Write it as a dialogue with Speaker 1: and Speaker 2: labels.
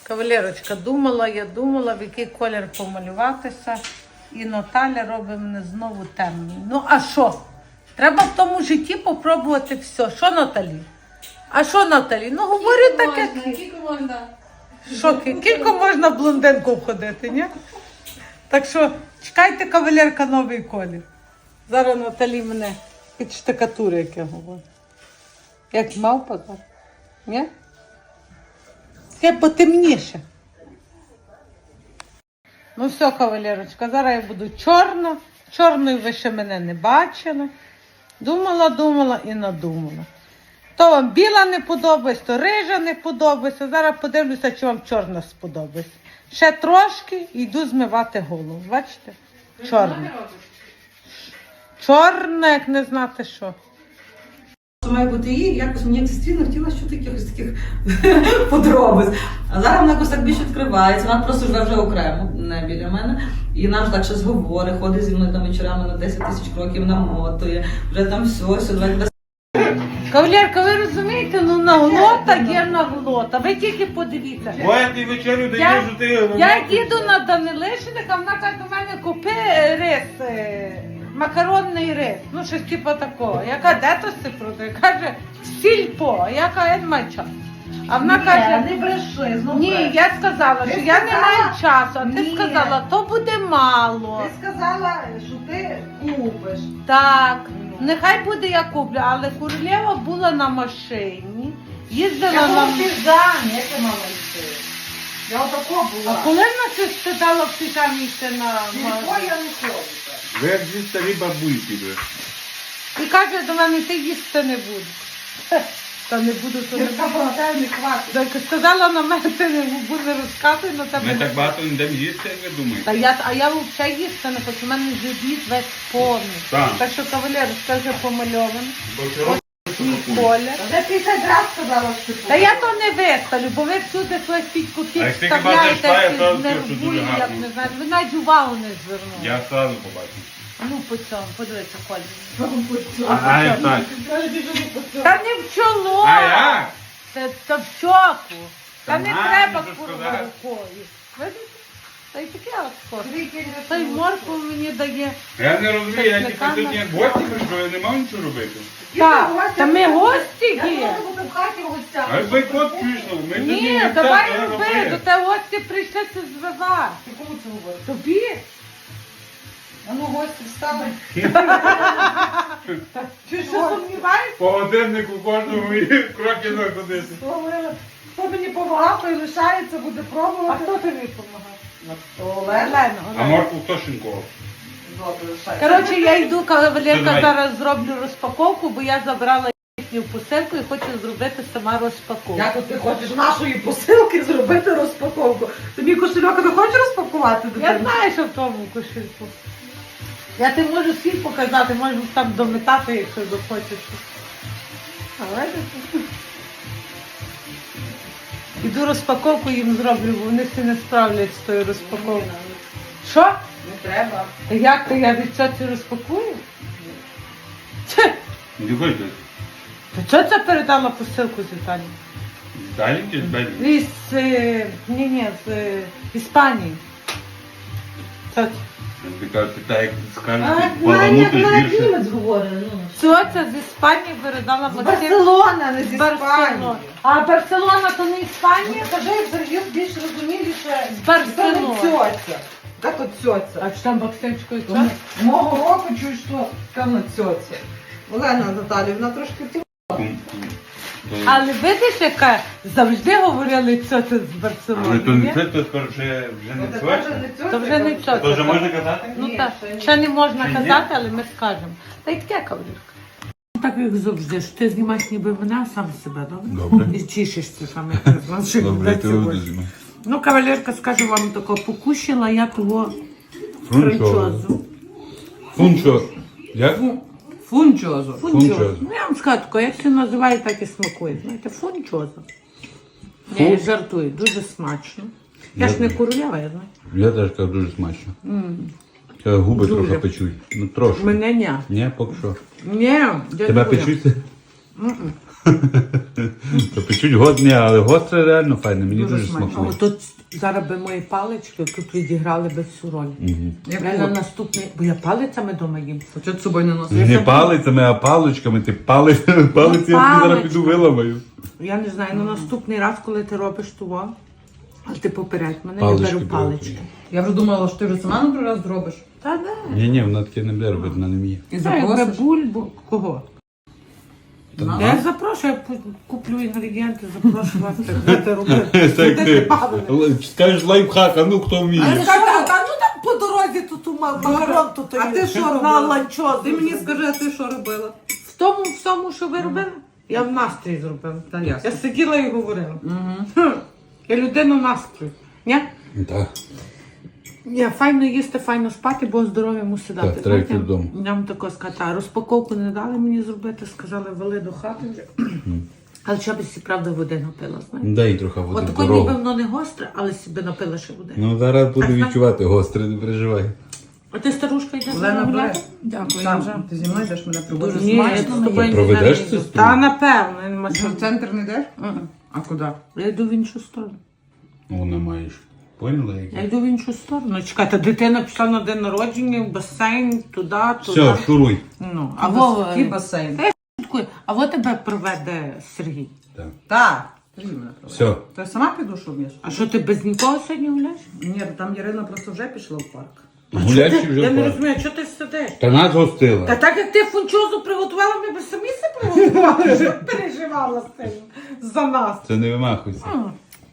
Speaker 1: Кавалерочка, я думала, в який колір помалюватися. І Наталя робить мене знову темний. Ну, а що? Треба в тому житті попробувати все. Що, Наталі? А що, Наталі? Ну, говорю таке.
Speaker 2: Скільки можна?
Speaker 1: Що, кілько можна в блондинку входити, ні? Так що, чекайте, кавалерка, новий колір. Зараз Наталі мене під штукатури, як я говорю. Як мавпа, так? Ні? Таке потемніше. Ну все, кавалерочка, зараз я буду чорна. Чорною ви ще мене не бачили. Думала і надумала. То вам біла не подобається, то рижа не подобається. Зараз подивлюся, чи вам чорна сподобається. Ще трошки і йду змивати голову. Бачите? Чорна. Чорна, як не знати що.
Speaker 3: Має бути її, якось мені дійсно хотіла що якихось таких подробиць. А зараз вона якось так більше відкривається, вона просто живе вже окремо, не біля мене. І вона вже так щось говорить, ходить зі мною там вечорами на 10 тисяч кроків, намотує, вже там все, давай тебе.
Speaker 1: Кавалерка, ви розумієте, ну наглота є наглота. Ви тільки подивіться.
Speaker 4: Моя ти вечерю даєш, що ти...
Speaker 1: Я їду на Данилишиника, вона каже до мене, купи рис, макаронний рис, ну щось типу такого. Я кажу, де то си продає? Каже, сільпо. Я кажу, я не маю часу. А вона каже,
Speaker 3: не бреши, знову
Speaker 1: ні, я сказала, що я не маю часу, а ти
Speaker 3: Ні.
Speaker 1: сказала, то буде мало.
Speaker 3: Ти сказала, що ти купиш.
Speaker 1: Так, нехай буде я куплю, але королева була на машині, їздила
Speaker 3: Я
Speaker 1: на...
Speaker 3: була в піжамі, як ти мала йти? Я отако
Speaker 1: А
Speaker 3: була.
Speaker 1: коли вона це сказала в піжамі йти на
Speaker 3: Ніхто
Speaker 1: магазин?
Speaker 3: я не ходила.
Speaker 4: Ви як зі старі бабульки, ви.
Speaker 1: І каже до мене, ти їсти не будеш. Та не буду, то не
Speaker 3: Я пам'ятаю, не хватить.
Speaker 1: Так, сказала на мене, ти не буде розказувати, на тебе.
Speaker 4: Ми так багато не йдемо їсти, як ви думаєте.
Speaker 1: А я взагалі їсти не хочу, у мене живіт весь повний.
Speaker 4: Так.
Speaker 1: Так що кавалер, скаже помальований.
Speaker 4: Бо ти робиш, що
Speaker 1: Мій
Speaker 4: купуєш.
Speaker 1: колір.
Speaker 3: Вже 50 разів сказала, що ти
Speaker 1: Та я то не виставлю, бо ви всюди своїх підкупів
Speaker 4: А як ти хіба
Speaker 1: вставляєте,
Speaker 4: зайшла, я
Speaker 1: всі
Speaker 4: зразу скажу, що
Speaker 1: нервують,
Speaker 4: дуже
Speaker 1: як
Speaker 4: гарно.
Speaker 1: не знаю. Ви навіть увагу не звернули.
Speaker 4: Я одразу побачив.
Speaker 1: Ну, по цьому, подивіться, колір.
Speaker 4: А як так?
Speaker 1: Та не в чоло!
Speaker 4: А як?
Speaker 1: Та в щоку. Та
Speaker 4: Та
Speaker 1: не
Speaker 4: на,
Speaker 1: треба
Speaker 4: мені
Speaker 1: курва
Speaker 4: сказати.
Speaker 1: рукою. Видите? Та й таке от. Та й морку мені дає.
Speaker 4: Я не розумію, я тільки
Speaker 1: Чесниками.
Speaker 4: тут як гості прийшов, я не мав нічого робити.
Speaker 1: Так, та ми гості
Speaker 3: Я
Speaker 1: є.
Speaker 3: можу бути в хаті гостя.
Speaker 4: А як бойкот пішов, ми тоді
Speaker 1: Ні,
Speaker 4: не
Speaker 1: давай
Speaker 4: так,
Speaker 1: роби,
Speaker 4: робили.
Speaker 1: до тебе гості прийшли це звивати.
Speaker 3: Ти кому це говориш?
Speaker 1: Тобі?
Speaker 3: А ну гості встали.
Speaker 1: Чи що сумніваєшся?
Speaker 4: По годиннику кожному і кроки заходити.
Speaker 3: Говорила, хто мені допомагав, той лишається, буде
Speaker 1: А
Speaker 3: пробувати.
Speaker 1: хто тобі допомагає?
Speaker 3: Олена.
Speaker 1: Олена.
Speaker 4: А морку хто шинкував?
Speaker 3: Добре, лишається.
Speaker 1: Коротше, я йду, кавалерка,
Speaker 4: Давай.
Speaker 1: зараз зроблю розпаковку, бо я забрала їхню посилку і хочу зробити сама розпаковку.
Speaker 3: Як от ти хочеш нашої посилки зробити розпаковку? Тобі кошельок не хочеш розпакувати?
Speaker 1: Я
Speaker 3: дитина?
Speaker 1: знаю, що в тому кошельку. Я ти можу всім показати, можу там дометати, якщо захочеш. Але іду розпаковку їм зроблю, бо вони всі не справляться з тою розпаковкою. Що?
Speaker 3: Не треба.
Speaker 1: Та як то я від цього розпакую? Це,
Speaker 4: Не хочете?
Speaker 1: та чого це передала посилку з Італії?
Speaker 4: Далі чи з Бельгії?
Speaker 1: Ні, з Іспанії. Це
Speaker 4: Ти кажеш, так як скажеш,
Speaker 3: А,
Speaker 4: баламути більше.
Speaker 3: німець говорить, ну.
Speaker 1: Цьоця з Іспанії передала
Speaker 3: З
Speaker 1: Максим.
Speaker 3: Барселона, не зі
Speaker 1: Барселона.
Speaker 3: Іспанії.
Speaker 1: А Барселона то не Іспанія?
Speaker 3: Скажи, Сергій більш розуміліше.
Speaker 1: З Барселони.
Speaker 3: Це не цьоця. Так от цьоця.
Speaker 1: А чи там Максимчко і
Speaker 3: Тому
Speaker 1: цьоця?
Speaker 3: Мого року чую, що там на цьоця. Олена Наталівна трошки
Speaker 1: Але видиш, яка завжди говорили цьоця з Барселони.
Speaker 4: Але то не
Speaker 1: ні?
Speaker 4: це, то скажу, що я вже не цвачу.
Speaker 1: То вже не цьоця.
Speaker 4: То вже можна казати?
Speaker 1: Ну
Speaker 3: Ні,
Speaker 1: так,
Speaker 3: ще ні.
Speaker 1: ще не можна
Speaker 4: Ще ні?
Speaker 1: казати, але ми скажемо. Та й таке кавалерка. Так як завжди, що ти знімаєш ніби мене, а сам себе, добре?
Speaker 4: Добре.
Speaker 1: І тішишся саме як що
Speaker 4: Добре,
Speaker 1: буде
Speaker 4: ти
Speaker 1: сьогодні.
Speaker 4: визимай.
Speaker 1: Ну, кавалерка, скажу вам тако, покушала я того
Speaker 4: Фунчозу.
Speaker 1: франчозу.
Speaker 4: Фунчо. Як?
Speaker 1: Фунчозу.
Speaker 4: Фунчозу.
Speaker 1: Ну, я вам скажу тако, як все називає, так і смакує. Знаєте, фунчозу. Ні, я жартую, дуже смачно. Я ж не королева, я знаю.
Speaker 4: Я теж кажу, дуже смачно. Губи
Speaker 1: Дуже.
Speaker 4: трохи печуть. Ну трошки.
Speaker 1: Мене ні.
Speaker 4: Ні, поки що.
Speaker 1: Ні,
Speaker 4: Тебе печуть? То печуть годні, але гостре реально файне, мені
Speaker 3: Дуже
Speaker 4: дуже
Speaker 3: смачно.
Speaker 1: А
Speaker 4: смакує.
Speaker 1: тут зараз би мої палички тут відіграли би всю роль.
Speaker 3: Як
Speaker 1: Я на наступний, бо я палицями дома їм.
Speaker 3: А чого ти з собою не носиш?
Speaker 4: Не палицями, а паличками. Ти палиці я тобі зараз
Speaker 1: палички.
Speaker 4: піду виламаю.
Speaker 1: Я не знаю, на наступний раз, коли ти робиш того, але ти попередь мене,
Speaker 4: Палички
Speaker 1: я беру
Speaker 4: беру.
Speaker 1: палички.
Speaker 3: Я вже думала, що ти вже сама на раз зробиш.
Speaker 1: Та де?
Speaker 4: Ні, вона таке не буде робити, вона не вміє.
Speaker 3: І
Speaker 1: Та якби
Speaker 3: запросиш.
Speaker 1: бульбу. Кого?
Speaker 3: Ага.
Speaker 1: Я запрошую, я куплю інгредієнти, запрошу вас, так будете робити.
Speaker 4: Так
Speaker 1: Будете
Speaker 4: ти
Speaker 1: бавити.
Speaker 4: скажеш лайфхак, а ну хто вміє.
Speaker 1: Та ну там по дорозі тут у макарон, тут
Speaker 3: А ти що
Speaker 1: на
Speaker 3: робила?
Speaker 1: ланчо.
Speaker 3: Ти мені скажи, а ти що робила?
Speaker 1: В тому всьому, що ви робили, я в настрій зробила.
Speaker 3: Та ясно.
Speaker 1: Я сиділа і говорила.
Speaker 3: Угу.
Speaker 1: Я людина настрою. Ні?
Speaker 4: Так.
Speaker 1: Ні, файно їсти, файно спати, бо здоров'я мусить дати.
Speaker 4: Так, треба йти
Speaker 1: Знаєте,
Speaker 4: додому.
Speaker 1: Я вам тако сказати, а розпаковку не дали мені зробити, сказали, вели до хати вже. Але що би сі правда води напила, знаєте?
Speaker 4: Дай трохи води
Speaker 1: От
Speaker 4: в
Speaker 1: тако
Speaker 4: дорогу.
Speaker 1: ніби воно не гостре, але собі напила ще води.
Speaker 4: Ну зараз буду
Speaker 1: А знаєш-
Speaker 4: відчувати гостре, не переживай.
Speaker 1: А ти старушка йдеш
Speaker 3: Олена,
Speaker 1: на
Speaker 3: бери.
Speaker 1: гуляти?
Speaker 3: Дякую. Там, ти зі мною йдеш мене проводиш.
Speaker 1: Ні, я з тобою не
Speaker 4: Проведеш
Speaker 1: йду.
Speaker 4: сестру?
Speaker 1: Та напевно, я нема
Speaker 3: Що, в центр не йдеш?
Speaker 1: Мгм.
Speaker 3: А куди?
Speaker 1: Я йду в іншу сторону.
Speaker 4: Вона маєш. Поняла
Speaker 1: Я
Speaker 4: як?
Speaker 1: йду в іншу сторону. Чекайте, дитина пішла на день народження, в басейн, туди, туди.
Speaker 4: Все, шуруй.
Speaker 1: Ну, а Вова,
Speaker 3: Який басейн?
Speaker 1: а во тебе проведе Сергій.
Speaker 4: Так.
Speaker 3: Так. Ти мене проводиш.
Speaker 4: Все.
Speaker 3: То я сама піду, що вмієш?
Speaker 1: А що ти без нікого сьогодні гуляєш?
Speaker 3: Ні, там Ярина просто вже пішла в парк.
Speaker 4: Гулячі вже
Speaker 1: Я не
Speaker 4: пора.
Speaker 1: розумію, що ти сидиш?
Speaker 4: Та нас
Speaker 1: Та
Speaker 4: гостила.
Speaker 1: так як ти фунчозу приготувала, ми б самі себе приготували, щоб переживала з цим за нас.
Speaker 4: Це не вимахуйся.